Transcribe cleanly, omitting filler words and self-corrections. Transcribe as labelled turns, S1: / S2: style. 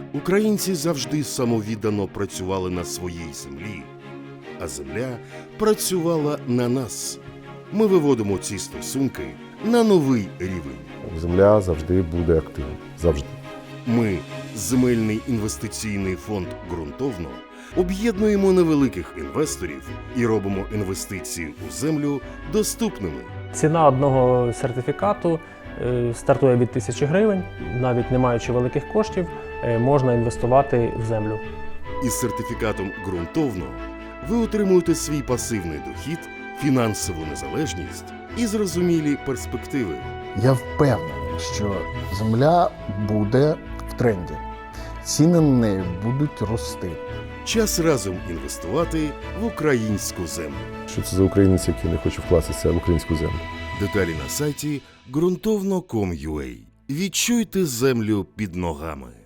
S1: Українці завжди самовіддано працювали на своїй землі, а земля працювала на нас. Ми виводимо ці стосунки на новий рівень.
S2: Земля завжди буде активна. Завжди.
S1: Ми, Земельний інвестиційний фонд «Ґрунтовно», об'єднуємо невеликих інвесторів і робимо інвестиції у землю доступними.
S3: Ціна одного сертифікату стартує від 1000 гривень. Навіть не маючи великих коштів, можна інвестувати в землю.
S1: Із сертифікатом «Ґрунтовно» ви отримуєте свій пасивний дохід, фінансову незалежність і зрозумілі перспективи.
S4: Я впевнений, що земля буде в тренді. Ціни на неї будуть рости.
S1: Час разом інвестувати в українську землю.
S2: Що це за українець, який не хоче вкластися в українську землю?
S1: Деталі на сайті ґрунтовно.com.ua. Відчуйте землю під ногами.